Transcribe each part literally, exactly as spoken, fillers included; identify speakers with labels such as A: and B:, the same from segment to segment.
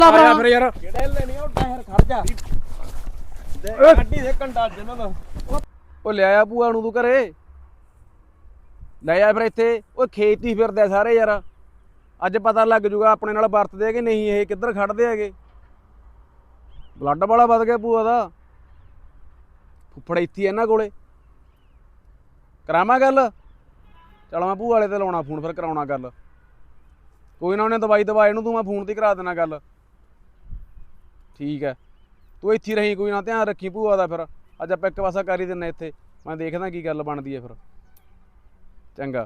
A: ਆਇਆ ਫਿਰ ਯਾਰ ਕਿਹੜੇ ਲੈਣੀ ਉਹ ਟਾਇਰ ਖੜ ਜਾ ਦੇ ਗੱਡੀ ਦੇ ਕੰਡਾ ਜਨਾਂ ਦਾ ਉਹ ਲਿਆਇਆ ਭੂਆ ਨੂੰ ਤੂੰ ਘਰੇ ਲੈ ਆ ਫਿਰ ਇੱਥੇ ਉਹ ਖੇਤ ਹੀ ਫਿਰਦੇ ਸਾਰੇ ਯਾਰ ਅੱਜ ਪਤਾ ਲੱਗ ਜੂਗਾ ਆਪਣੇ ਨਾਲ ਵਰਤਦੇ ਆ ਕਿ ਨਹੀਂ ਇਹ ਕਿੱਧਰ ਖੜਦੇ ਹੈਗੇ ਬਲੱਡ ਵਾਲਾ ਵੱਧ ਗਿਆ ਭੂਆ ਦਾ ਫੁੱਫੜ ਇੱਥੇ ਇਹਨਾਂ ਕੋਲੇ ਕਰਾਵਾਂ ਗੱਲ ਚਲ ਮੈਂ ਭੂਆ ਵਾਲੇ ਤੇ ਲਾਉਣਾ ਫੋਨ ਫਿਰ ਕਰਾਉਣਾ ਗੱਲ ਕੋਈ ਨਾ ਉਹਨੇ ਦਵਾਈ ਦਵਾ ਇਹਨੂੰ ਤੂੰ ਮੈਂ ਫੋਨ ਤੇ ਕਰਾ ਦੇਣਾ ਗੱਲ ਠੀਕ ਹੈ ਤੂੰ ਇੱਥੇ ਰਹੀ ਕੋਈ ਨਾ ਧਿਆਨ ਰੱਖੀ ਭੂਆ ਦਾ ਫਿਰ ਅੱਜ ਆਪਾਂ ਇੱਕ ਪਾਸਾ ਕਰ ਹੀ ਦਿੰਨੇ ਇੱਥੇ ਮੈਂ ਦੇਖਦਾ ਕੀ ਗੱਲ ਬਣਦੀ ਹੈ ਫਿਰ ਚੰਗਾ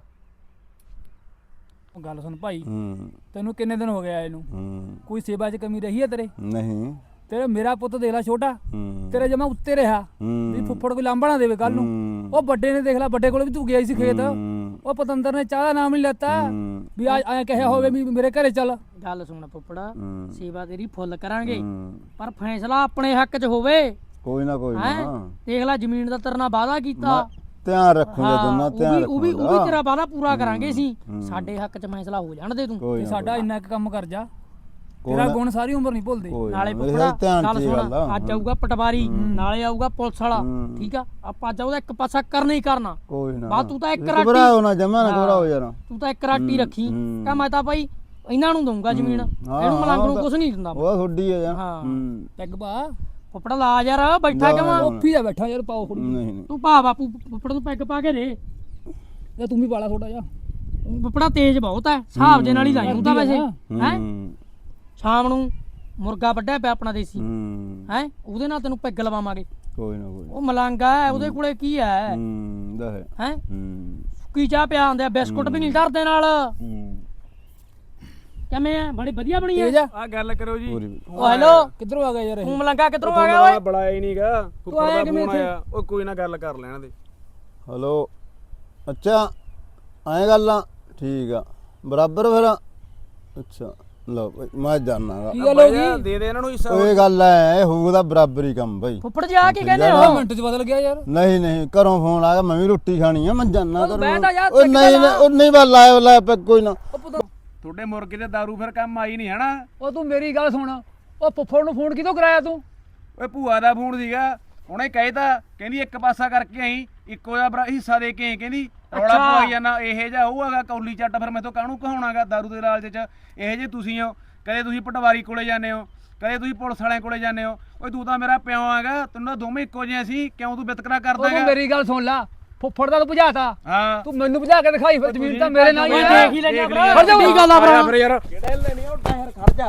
B: ਗੱਲ ਸੁਣ ਭਾਈ
C: ਹੂੰ
B: ਤੈਨੂੰ ਕਿੰਨੇ ਦਿਨ ਹੋ ਗਏ ਆਏ ਨੂੰ
C: ਹੂੰ
B: ਕੋਈ ਸੇਵਾ 'ਚ ਕਮੀ ਰਹੀ ਹੈ ਤੇਰੇ
C: ਨਹੀਂ
B: ਤੇਰਾ ਮੇਰਾ ਪੁੱਤ ਦੇਖ ਲੈ ਛੋਟਾ
C: ਹੂੰ
B: ਤੇਰੇ ਜਮਾ ਉੱਤੇ ਰਿਹਾ ਵੀ ਫੁੱਫੜ ਕੋਈ ਲਾਂਭਾ ਨਾ ਦੇਵੇ ਕੱਲ ਨੂੰ ਉਹ ਵੱਡੇ ਨੇ ਦੇਖ ਲੈ ਵੱਡੇ ਕੋਲ ਵੀ ਤੂੰ ਗਿਆ ਸੀ ਖੇਤ ਉਹ ਪਤੰਦਰ ਨੇ ਚਾਹ ਦਾ ਨਾਮ ਨਹੀਂ ਲੈਤਾ ਵੀ ਆ ਐ ਕਹਿਆ ਹੋਵੇ ਵੀ ਮੇਰੇ ਘਰੇ ਚੱਲ
D: ਗੱਲ ਸੁਣ ਫੁੱਫੜਾ ਸੇਵਾ ਤੇਰੀ ਫੁੱਲ ਕਰਾਂਗੇ ਪਰ ਫੈਸਲਾ ਆਪਣੇ ਹੱਕ 'ਚ ਹੋਵੇ
C: ਕੋਈ ਨਾ ਕੋਈ ਨਾ
D: ਦੇਖ ਲੈ ਜ਼ਮੀਨ ਦਾ ਤੇਰੇ ਨਾਲ ਵਾਅਦਾ ਕੀਤਾ
C: ਧਿਆਨ ਰੱਖੂਗਾ ਦੋਨਾਂ ਧਿਆਨ
D: ਉਹ ਵੀ ਉਹ ਵੀ ਤੇਰਾ ਵਾਅਦਾ ਪੂਰਾ ਕਰਾਂਗੇ ਸੀ ਸਾਡੇ ਹੱਕ 'ਚ ਫੈਸਲਾ ਹੋ ਜਾਣ ਦੇ ਤੂੰ
B: ਤੇ ਸਾਡਾ ਇੰਨਾ ਕੁ ਕੰਮ ਕਰ ਜਾ ਤੇਰਾ ਗੁਣ ਸਾਰੀ ਉਮਰ ਨਹੀਂ ਭੁੱਲਦੇ
D: ਨਾਲੇ ਫੁੱਫੜਾ ਗੱਲ ਸੁਣ ਅੱਜ ਆਊਗਾ ਪਟਵਾਰੀ ਨਾਲੇ ਆਊਗਾ ਪੁਲਿਸ ਵਾਲਾ ਠੀਕ ਆ ਆਪਾਂ ਅੱਜ ਉਹਦਾ ਇੱਕ ਪਾਸਾ ਕਰਨਾ ਹੀ ਕਰਨਾ
C: ਕੋਈ ਨਾ
D: ਬਾ ਤੂੰ ਤਾਂ ਇੱਕ ਰਾਟੀ
C: ਘਬਰਾਓ ਨਾ ਜਮਾ ਨਾ ਘਬਰਾਓ ਯਾਰ
D: ਤੂੰ ਤਾਂ ਇੱਕ ਰਾਟੀ ਰੱਖੀ ਕਹ ਮੈਂ ਤਾਂ ਭਾਈ ਇਹਨਾਂ ਨੂੰ ਦਊਂਗਾ ਜ਼ਮੀਨ ਇਹਨੂੰ ਮਲੰਗ ਨੂੰ ਕੁਝ ਨਹੀਂ ਦਿੰਦਾ
C: ਉਹ ਥੋੜੀ ਆ ਯਾਰ
D: ਹਾਂ
B: ਪੈਗ ਬਾ
D: ਫੁੱਫੜਾ ਲਾ ਯਾਰ ਬੈਠਾ ਕਿਵਾਂ
B: ਉੱਫੀ ਦਾ ਬੈਠਾ ਯਾਰ ਪਾਓ ਥੋੜੀ
C: ਨਹੀਂ ਨਹੀਂ
D: ਤੂੰ ਭਾ ਬਾਪੂ ਫੁੱਫੜ ਨੂੰ ਪੈਗ ਪਾ ਕੇ ਦੇ
B: ਜਾਂ ਤੂੰ ਵੀ ਪਾਲਾ ਥੋੜਾ ਜਿਹਾ
D: ਫੁੱਫੜਾ ਤੇਜ਼ ਬਹੁਤ ਹੈ ਹਿਸਾਬ ਦੇ ਨਾਲ ਹੀ ਲਾਈ ਹੁੰਦਾ ਵੈਸੇ ਹੈ ਸ਼ਾਮ ਨੂੰ ਮੁਰਗਾ ਵੱਢਿਆ ਪਿਆ ਆਪਣਾ ਦੇਸੀ ਹੈ ਉਹਦੇ ਨਾਲ ਤੈਨੂੰ ਪੈਗ ਲਵਾਵਾਂਗੇ
C: ਕੋਈ ਨਾ ਕੋਈ
D: ਉਹ ਮਲੰਗਾ ਹੈ ਉਹਦੇ ਕੋਲੇ ਕੀ ਹੈ
C: ਹੂੰ ਦਾ ਹੈ
D: ਹੈ
C: ਹੂੰ
D: ਸੁੱਕੀ ਚਾਹ ਪਿਆ ਹੁੰਦੇ ਆ ਬਿਸਕੁਟ ਵੀ ਨਹੀਂ ਧਰਦੇ ਨਾਲ ਕਿਵੇਂ ਆ ਬੜੀ ਵਧੀਆ ਬਣੀ
B: ਤੇਜ ਆ
A: ਆ ਗੱਲ ਕਰੋ ਜੀ
D: ਓ ਹੈਲੋ
B: ਕਿੱਧਰੋਂ ਆ ਗਿਆ ਯਾਰ ਇਹ
D: ਤੂੰ ਮਲੰਗਾ ਕਿੱਧਰੋਂ ਆ ਗਿਆ ਓਏ
A: ਬੁਲਾਇਆ ਹੀ ਨਹੀਂਗਾ ਫੁੱਫੜ ਦਾ ਫੋਨ ਆਇਆ ਉਹ ਕੋਈ ਨਾ ਗੱਲ ਕਰ ਲੈਣ ਦੇ
C: ਹਲੋ ਅੱਛਾ ਐਂ ਗੱਲਾਂ ਠੀਕ ਆ ਬਰਾਬਰ ਫਿਰ ਅੱਛਾ ਲਓ ਬਈ ਮੈਂ ਜਾਣਾਗਾ
B: ਕੀ ਗੱਲ ਹੋ ਗਈ
A: ਦੇ ਦੇ ਇਹਨਾਂ ਨੂੰ ਹਿੱਸਾ
C: ਉਹ ਇਹ ਗੱਲ ਐ ਹੋਊਗਾ ਬਰਾਬਰੀ ਕੰਮ ਬਈ
D: ਫੁੱਫੜ ਜੀ ਆ ਕੀ ਕਹਿੰਦੇ
B: ਦੋ
D: ਹੋ
B: ਮਿੰਟ 'ਚ ਬਦਲ ਗਿਆ ਯਾਰ
C: ਨਹੀਂ ਨਹੀਂ ਘਰੋਂ ਫੋਨ ਆ ਗਿਆ ਮੈਂ ਵੀ ਰੋਟੀ ਖਾਣੀ ਆ ਮੈਂ ਜਾਣਾ
D: ਉਹ ਬਹਿ ਤਾਂ ਜਾ,
C: ਉਹ ਨਹੀਂ ਨਹੀਂ ਉਹ ਨਹੀਂ ਬਸ ਲਾਇਆ ਲਾਇਆ ਪੈ ਕੋਈ ਨਾ
A: ਤੁਹਾਡੇ ਮੁਰਗੇ ਤੇ ਦਾਰੂ ਫਿਰ ਕੰਮ ਆਈ ਨਹੀਂ ਹਨਾ
B: ਉਹ ਤੂੰ ਮੇਰੀ ਗੱਲ ਸੁਣ ਉਹ ਫੁੱਫੜ ਨੂੰ ਫੋਨ ਕਿਦੋਂ ਕਰਾਇਆ ਤੂੰ
A: ਓਏ ਭੂਆ ਦਾ ਫੋਨ ਸੀਗਾ ਉਹਨੇ ਕਹਿਤਾ ਕਹਿੰਦੀ ਇੱਕ ਪਾਸਾ ਕਰਕੇ ਆਈ ਇੱਕੋ ਜਿਹਾ ਹਿੱਸਾ ਦੇ ਕੇ ਆਈ ਕਹਿੰਦੀ ਰੌਲਾ ਪਵਾਈ ਜਾਣਾ ਇਹ ਜਿਹਾ ਹੋਊਗਾ ਕੌਲੀ ਚੱਟ ਫਿਰ ਮੈਥੋਂ ਕਾਹਨੂੰ ਕਹਾਉਣਾਗਾ ਦਾਰੂ ਦੇ ਲਾਲਚ ਚ ਇਹ ਜੇ ਤੁਸੀਂ ਹੋ ਕਦੇ ਤੁਸੀਂ ਪਟਵਾਰੀ ਕੋਲੇ ਜਾਂਦੇ ਹੋ ਕਦੇ ਤੁਸੀਂ ਪੁਲਿਸ ਵਾਲਿਆਂ ਕੋਲੇ ਜਾਂਦੇ ਹੋ ਓਏ ਤੂੰ ਤਾਂ ਮੇਰਾ ਪਿਓ ਹੈਗਾ ਤੈਨੂੰ ਤਾਂ ਦੋਵੇਂ ਇੱਕੋ ਜਿਹੇ ਸੀ ਕਿਉਂ ਤੂੰ ਵਿਤਕਰਾ ਕਰਦਾ
B: ਤੂੰ
A: ਹੈਗਾ
B: ਮੇਰੀ ਗੱਲ ਸੁਣ ਲੈ ਫੁੱਫੜ ਦਾ ਤੂੰ ਭਜਾਤਾ
A: ਹਾਂ
B: ਤੂੰ ਮੈਨੂੰ ਭਜਾ ਕੇ ਦਿਖਾਈ ਫਿਰ ਜ਼ਮੀਨ ਤਾਂ ਮੇਰੇ ਨਾਲ ਹੀ
D: ਓਏ
B: ਹੈ
D: ਦੇਖ ਹੀ ਲੈਣਾ ਭਰਾ
B: ਖੜ ਜਾ
D: ਕੀ ਗੱਲ ਆ ਭਰਾ
A: ਫਿਰ ਯਾਰ ਕਿਹੜੇ ਲੈਣੀ ਉਹ ਟਾਇਰ ਖੜ ਜਾ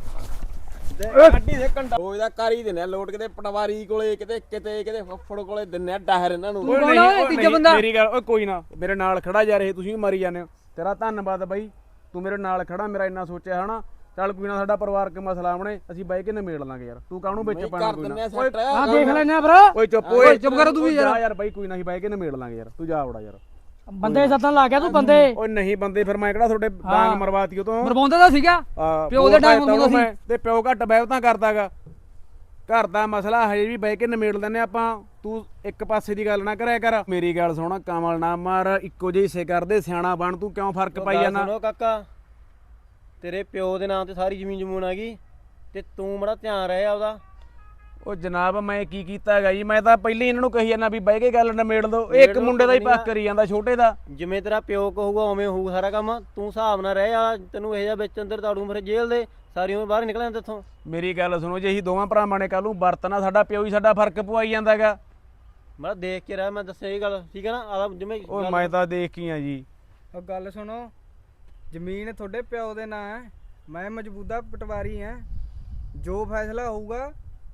A: ਗੱਡੀ ਦੇ ਕੰਡਾ ਰੋਜ਼ ਦਾ ਕਰ ਹੀ ਦਿੰਨੇ ਲੋਟ ਕਿਤੇ ਪਟਵਾਰੀ ਕੋਲੇ ਕਿਤੇ ਕਿਤੇ ਕਿਤੇ ਫੁੱਫੜ ਕੋਲੇ ਦਿੰਨੇ ਟਾਇਰ ਇਹਨਾਂ ਨੂੰ
B: ਕੌਣ ਆ ਓਏ ਤੀਜਾ ਬੰਦਾ
A: ਮੇਰੀ ਗੱਲ ਓਏ ਕੋਈ ਨਾ ਮੇਰੇ ਨਾਲ ਖੜਾ ਜਾ ਰਹੇ ਤੁਸੀਂ ਵੀ ਮਾਰੀ ਜਾਂਦੇ ਹੋ ਤੇਰਾ ਧੰਨਵਾਦ ਬਾਈ ਤੂੰ ਮੇਰੇ ਨਾਲ ਖੜਾ ਮੇਰਾ ਇੰਨਾ ਸੋਚਿਆ ਹਨਾ ਚੱਲ ਕੋਈ ਨਾ ਸਾਡਾ ਪਰਿਵਾਰਕ ਮਸਲਾ ਆਉਣੇ ਅਸੀਂ ਬਾਈ ਕੇ ਨਿਮੇੜ ਲਾਂਗੇ ਯਾਰ ਤੂੰ ਕਾਹਨੂੰ ਵਿੱਚ ਪਾਣਾ ਕੋਈ ਨਾ
D: ਆ ਦੇਖ ਲੈਣਾ ਭਰਾ
A: ਓਏ ਚੁੱਪ ਓਏ ਚੁੱਪ ਕਰ ਤੂੰ ਵੀ ਯਾਰ ਯਾਰ ਬਾਈ ਕੋਈ ਨਾ ਅਸੀਂ ਬਾਈ ਕੇ ਨਿਮੇੜ ਲਾਂਗੇ ਯਾਰ ਤੂੰ ਜਾ ਵੜਾ ਯਾਰ
D: ਬੰਦੇ ਸੱਦਣ ਲੱਗ ਗਿਆ ਤੂੰ ਬੰਦੇ
A: ਓਏ ਨਹੀਂ ਬੰਦੇ ਫਿਰ ਮੈਂ ਕਿਹੜਾ ਤੁਹਾਡੇ ਬਾਂਗ ਮਰਵਾਤੀ ਉਹ ਤੋਂ
B: ਮਰਵਾਉਂਦਾ ਤਾਂ ਸੀਗਾ ਪਿਓ ਦੇ ਟਾਈਮ ਹੁੰਦਾ ਸੀ
A: ਤੇ ਪਿਓ ਘੱਟ ਬਹਿਵਤਾਂ ਕਰਦਾਗਾ ਘਰ ਦਾ ਮਸਲਾ ਹਜੇ ਵੀ ਬਹਿ ਕੇ ਨਿਮੇੜ ਲੈਨੇ ਆਪਾਂ ਤੂੰ ਇੱਕ ਪਾਸੇ ਦੀ ਗੱਲ ਨਾ ਕਰਿਆ ਕਰ ਮੇਰੀ ਗੱਲ ਸੁਣ ਕਮਲ ਨਾ ਮਾਰ ਇੱਕੋ ਜਿਹੇ ਹਿੱਸੇ ਕਰਦੇ ਸਿਆਣਾ ਬਣ ਤੂੰ ਕਿਉਂ ਫਰਕ ਪਾਈ ਜਾਂਦਾ
E: ਸੁਣੋ ਕਾਕਾ ਤੇਰੇ ਪਿਓ ਦੇ ਨਾਂ ਤੇ ਸਾਰੀ ਜ਼ਮੀਨ ਜਮੂਨ ਆ ਗਈ ਤੇ ਤੂੰ ਬੜਾ ਧਿਆਨ ਰਹੇ ਆਪਦਾ
A: ਉਹ ਜਨਾਬ ਮੈਂ ਕੀ ਕੀਤਾ ਹੈਗਾ ਜੀ ਮੈਂ ਤਾਂ ਪਹਿਲੇ ਇਹਨਾਂ ਨੂੰ ਕਹੀ ਜਾਂਦਾ ਵੀ ਬਹਿ ਕੇ ਗੱਲ ਨਿਮੇੜ ਦੋ ਇਹ ਇੱਕ ਮੁੰਡੇ ਦਾ ਹੀ ਪੱਕ ਕਰੀ ਜਾਂਦਾ ਛੋਟੇ ਦਾ
E: ਜਿਵੇਂ ਤੇਰਾ ਪਿਓ ਕਹੂਗਾ ਉਵੇਂ ਹੋਊ ਸਾਰਾ ਕੰਮ ਤੂੰ ਹਿਸਾਬ ਨਾਲ ਰਹਿ ਆ ਤੈਨੂੰ ਇਹ ਜਿਹਾ ਵਿੱਚ ਅੰਦਰ ਤਾੜੂ ਮੇਰੇ ਜੇਲ੍ਹ ਦੇ ਸਾਰੀ ਉਮਰ ਬਾਹਰ ਨਿਕਲ ਜਾਂਦਾ ਇੱਥੋਂ
A: ਮੇਰੀ ਗੱਲ ਸੁਣੋ ਜੇ ਅਸੀਂ ਦੋਵਾਂ ਭਰਾਵਾਂ ਨੇ ਕੱਲ ਨੂੰ ਵਰਤਣਾ ਸਾਡਾ ਪਿਓ ਹੀ ਸਾਡਾ ਫਰਕ ਪਵਾਈ ਜਾਂਦਾ ਹੈਗਾ
E: ਮੈਂ ਦੇਖ ਕੇ ਰਹਿ ਮੈਂ ਦੱਸਿਆ ਇਹ ਗੱਲ ਠੀਕ ਹੈ ਨਾ ਆਦਾ ਜਿਵੇਂ
A: ਉਹ ਮੈਂ ਤਾਂ ਦੇਖ ਕੇ ਆ ਜੀ
F: ਉਹ ਗੱਲ ਸੁਣੋ ਜ਼ਮੀਨ ਤੁਹਾਡੇ ਪਿਓ ਦੇ ਨਾਂ ਹੈ ਮੈਂ ਮੌਜੂਦਾ ਪਟਵਾਰੀ ਹਾਂ ਜੋ ਫੈਸਲਾ ਹੋਊਗਾ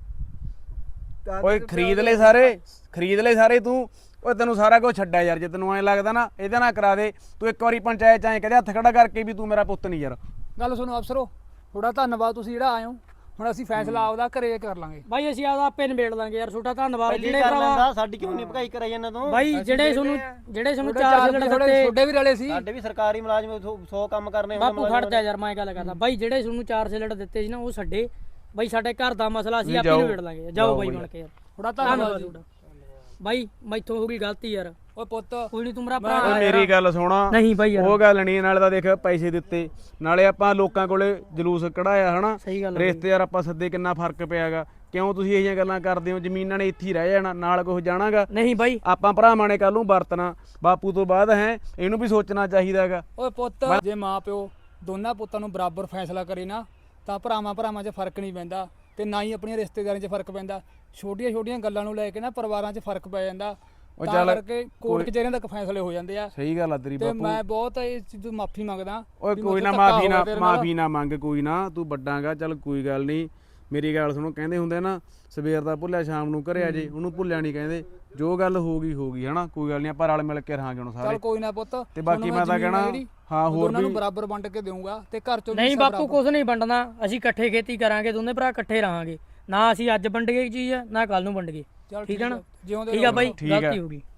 A: ਓਏ ਖਰੀਦ ਲੈ ਸਾਰੇ ਖਰੀਦ ਲੈ ਸਾਰੇ ਤੂੰ ਓਏ ਤੈਨੂੰ ਸਾਰਾ ਕੁਝ ਛੱਡਿਆ ਯਾਰ ਜੇ ਤੈਨੂੰ ਐਂ ਲੱਗਦਾ ਨਾ ਇਹਦੇ ਨਾਲ ਕਰਾ ਦੇ ਤੂੰ ਇੱਕ ਵਾਰੀ ਪੰਚਾਇਤ ਚ ਐਂ ਕਹਦੇ ਹੱਥ ਖੜਾ ਕਰਕੇ ਵੀ ਤੂੰ ਮੇਰਾ ਪੁੱਤ ਨਹੀਂ ਯਾਰ
B: ਗੱਲ ਸੁਣੋ ਅਫਸਰੋ ਥੋੜਾ ਧੰਨਵਾਦ ਤੁਸੀਂ ਜਿਹੜਾ ਆਏ ਹੋ ਹੁਣ ਅਸੀਂ ਫੈਸਲਾ ਆਪਦਾ ਘਰੇ ਕਰ ਲਾਂਗੇ
D: ਬਾਈ ਅਸੀਂ ਆਪਦਾ ਆਪੇ ਨਿਬੇੜ ਲਾਂਗੇ ਯਾਰ ਛੋਟਾ ਧੰਨਵਾਦ
E: ਪਹਿਲੀ
D: ਜਿਹੜੇ
E: ਕਰ
D: ਭਰਾ
E: ਲੈਂਦਾ ਸਾਡੀ ਕਿਉਂ ਨਹੀਂ ਭਗਾਈ ਕਰਾਈ ਜਾਂਦਾ ਤੂੰ
D: ਬਾਈ ਜਿਹੜੇ ਤੁਹਾਨੂੰ ਜਿਹੜੇ ਤੁਹਾਨੂੰ
B: ਥੋੜੇ
D: ਚਾਰ
B: ਚਾਰ
D: ਸਿਲੰਡਰ
B: ਥੋੜੇ
D: ਦਿੱਤੇ
B: ਛੋਡੇ ਵੀ ਰਲੇ ਸੀ
E: ਸਾਡੇ ਵੀ ਸਰਕਾਰੀ ਮੁਲਾਜ਼ਮ ਸੌ ਕੰਮ ਕਰਨੇ ਹੁੰਦੇ
D: ਬਾਪੂ ਖੜ ਜਾ ਯਾਰ ਮੈਂ ਗੱਲ ਕਰਦਾ ਬਾਈ ਜਿਹੜੇ ਤੁਹਾਨੂੰ ਚਾਰ ਸਿਲੰਡਰ ਦਿੱਤੇ ਸੀ ਨਾ ਉਹ ਛੱਡੇ ਬਾਈ ਸਾਡੇ ਘਰ ਦਾ ਮਸਲਾ ਅਸੀਂ ਆਪੇ ਨਿਬੇੜ ਲਾਂਗੇ ਜਾਓ ਬਾਈ ਬਣ ਕੇ ਯਾਰ
B: ਥੋੜਾ ਧੰਨਵਾਦ
D: ਤੁਹਾਡਾ ਬਾਈ ਮੈਥੋਂ ਹੋ ਗਈ ਗਲਤੀ ਯਾਰ
B: ਓਏ ਪੁੱਤ
D: ਕੋਈ ਨਹੀਂ ਤੂੰ ਮੇਰਾ
A: ਓਏ
D: ਭਰਾ
A: ਮੇਰੀ ਗੱਲ ਸੁਣਾ
D: ਨਹੀਂ ਬਾਈ ਯਾਰ
A: ਉਹ ਗੱਲ ਨਹੀਂ, ਨਾਲੇ ਤਾਂ ਦੇਖ ਪੈਸੇ ਦਿੱਤੇ, ਨਾਲੇ ਆਪਾਂ ਲੋਕਾਂ ਕੋਲੇ ਜਲੂਸ ਕਢਾਇਆ ਹਨਾ,
D: ਸਹੀ ਗੱਲ ਆ
A: ਰਿਸ਼ਤੇਦਾਰ ਆਪਾਂ ਸੱਦੇ, ਕਿੰਨਾ ਫਰਕ ਪਿਆਗਾ। ਕਿਉਂ ਤੁਸੀਂ ਇਹ ਜਿਹੀਆਂ ਗੱਲਾਂ ਕਰਦੇ ਹੋ? ਜ਼ਮੀਨਾਂ ਨੇ ਇੱਥੇ ਹੀ ਰਹਿ ਜਾਣਾ, ਨਾਲ ਕੁਝ ਜਾਣਾਗਾ।
D: ਨਹੀਂ ਬਾਈ
A: ਆਪਾਂ ਭਰਾਵਾਂ ਨੇ ਕੱਲ ਨੂੰ ਵਰਤਣਾ, ਬਾਪੂ ਤੋਂ ਬਾਅਦ ਹੈ ਇਹਨੂੰ ਵੀ ਸੋਚਣਾ ਚਾਹੀਦਾਗਾ।
B: ਓਏ ਪੁੱਤ ਜੇ ਮਾਂ ਪਿਓ ਦੋਨਾਂ ਪੁੱਤਾਂ ਨੂੰ ਬਰਾਬਰ ਫੈਸਲਾ ਕਰੇ ਨਾ ਤਾਂ ਭਰਾਵਾਂ ਭਰਾਵਾਂ 'ਚ ਫਰਕ ਨਹੀਂ ਪੈਂਦਾ ਤੇ ਨਾ ਹੀ ਆਪਣੀਆਂ ਰਿਸ਼ਤੇਦਾਰਾਂ 'ਚ ਫਰਕ ਪੈਂਦਾ। ਛੋਟੀਆਂ ਛੋਟੀਆਂ ਗੱਲਾਂ ਨੂੰ ਲੈ ਕੇ ਨਾ ਪਰਿਵਾਰਾਂ 'ਚ ਫਰਕ ਪੈ ਜਾਂਦਾ,
A: ਉਹ
B: ਤਾਂ
A: ਚੱਲ
B: ਕਰਕੇ ਕੋਰਟ ਕਚਹਿਰੀਆਂ ਤੱਕ ਫੈਸਲੇ ਹੋ ਜਾਂਦੇ ਆ।
A: ਸਹੀ ਗੱਲ ਆ ਤੇਰੀ
B: ਤੇ
A: ਬਾਪੂ।
B: ਮੈਂ ਬਹੁਤ ਇਸ ਚੀਜ਼ ਤੋਂ ਮਾਫੀ ਮੰਗਦਾ।
A: ਓਏ
B: ਵੀ
A: ਕੋਈ
B: ਮੇਰੇ
A: ਨਾ,
B: ਤੋਂ ਧੱਕਾ
A: ਮਾਫੀ
B: ਹੋ
A: ਨਾ
B: ਗਿਆ ਤੇਰੇ ਨਾਲ।
A: ਮਾਫੀ ਨਾ ਮੰਗ, ਕੋਈ ਨਾ, ਤੂੰ ਵੱਡਾਂਗਾ, ਚੱਲ ਕੋਈ ਗੱਲ ਨਹੀਂ। ਮੇਰੀ ਗੱਲ ਸੁਣੋ, ਕਹਿੰਦੇ ਹੁੰਦੇ ਨਾ ਸਵੇਰ ਦਾ ਭੁੱਲਿਆ ਸ਼ਾਮ ਨੂੰ ਘਰੇ ਆ ਜੇ, ਉਹਨੂੰ ਭੁੱਲਿਆ ਨਹੀਂ ਕਹਿੰਦੇ। ਜੋ ਗੱਲ ਹੋ ਗਈ ਹੋ ਗਈ ਹਨਾ, ਕੋਈ ਗੱਲ ਨਹੀਂ, ਆਪਾਂ ਰਲ ਮਿਲ ਕੇ ਰਹਾਂਗੇ ਹੁਣ
B: ਚੱਲ
A: ਸਾਰੇ।
B: ਕੋਈ ਨਾ ਪੁੱਤ,
A: ਤੇ ਬਾਕੀ
B: ਤੁਹਾਨੂੰ
A: ਮੈਂ ਤਾਂ
B: ਜ਼ਮੀਨ
A: ਕਹਿਣਾ,
B: ਆ ਜਿਹੜੀ,
A: ਹਾਂ
B: ਉਹ
A: ਹੋਰ
B: ਦੋਨਾਂ ਨੂੰ
A: ਵੀ
B: ਬਰਾਬਰ ਵੰਡ ਕੇ ਦੇਊਂਗਾ ਤੇ ਘਰ ਚੋਂ ਵੀ
D: ਨਹੀਂ
B: ਹਿੱਸਾ
D: ਬਾਪੂ
B: ਬਰਾਬਰ।
D: ਕੁਝ ਨਹੀਂ ਵੰਡਣਾ, ਅਸੀਂ ਇਕੱਠੇ ਖੇਤੀ ਕਰਾਂਗੇ, ਦੋਨੇ ਭਰਾ ਇਕੱਠੇ ਰਹਾਂਗੇ। ਨਾ ਅਸੀਂ ਅੱਜ ਵੰਡ ਗਏ ਚੀਜ਼ ਨਾ ਕੱਲ ਨੂੰ ਵੰਡ ਗਏ।
B: ਚੱਲ
D: ਠੀਕ ਹੈ ਨਾ?
B: ਜਿਉਂਦੇ
D: ਠੀਕ ਆ ਬਾਈ,
A: ਠੀਕ ਆ।
D: ਗਲਤੀ ਹੋ ਗਈ।